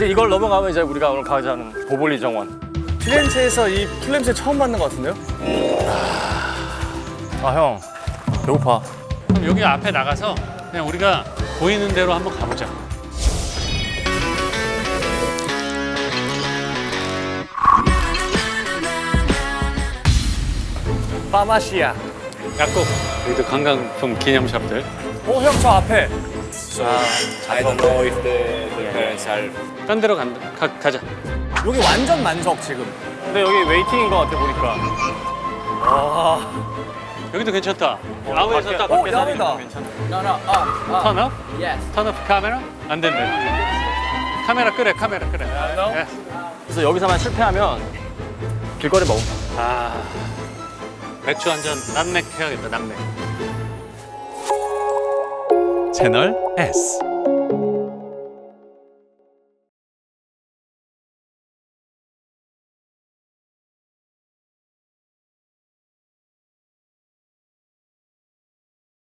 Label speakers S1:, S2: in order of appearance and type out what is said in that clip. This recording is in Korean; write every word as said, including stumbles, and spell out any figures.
S1: 이제 이걸 넘어가면 이제 우리가 오늘 가자는 보볼리 정원.
S2: 피렌체에서 이 풀냄새 처음 맡는 것 같은데요?
S1: 아 형, 배고파.
S3: 그럼 여기 앞에 나가서 그냥 우리가 보이는 대로 한번 가보자.
S2: 파마시아.
S3: 약국 여기도 관광품 기념샵들.
S2: 어, 형 저 앞에.
S4: I don't know if the, the parents are.
S3: 딴 데로 간다. 가, 가자.
S2: 여기 완전 만석 지금.
S1: 근데 여기 웨이팅인 것 같아 보니까.
S3: 여기도 괜찮다. 야외에서
S1: 밖에-
S3: 딱
S2: 어,
S1: 밖에 사진
S2: 야외다.
S1: 괜찮아.
S4: No, no, up,
S3: 턴 업?
S4: yes.
S3: 턴 업 카메라? 안 된대. 카메라 끄래, 카메라 끄래. 예.
S1: 그래서 여기서만 실패하면 길거리 먹음.
S3: 아, 맥주 한 잔 남맥 해야겠다, 남맥.
S5: 채널 S.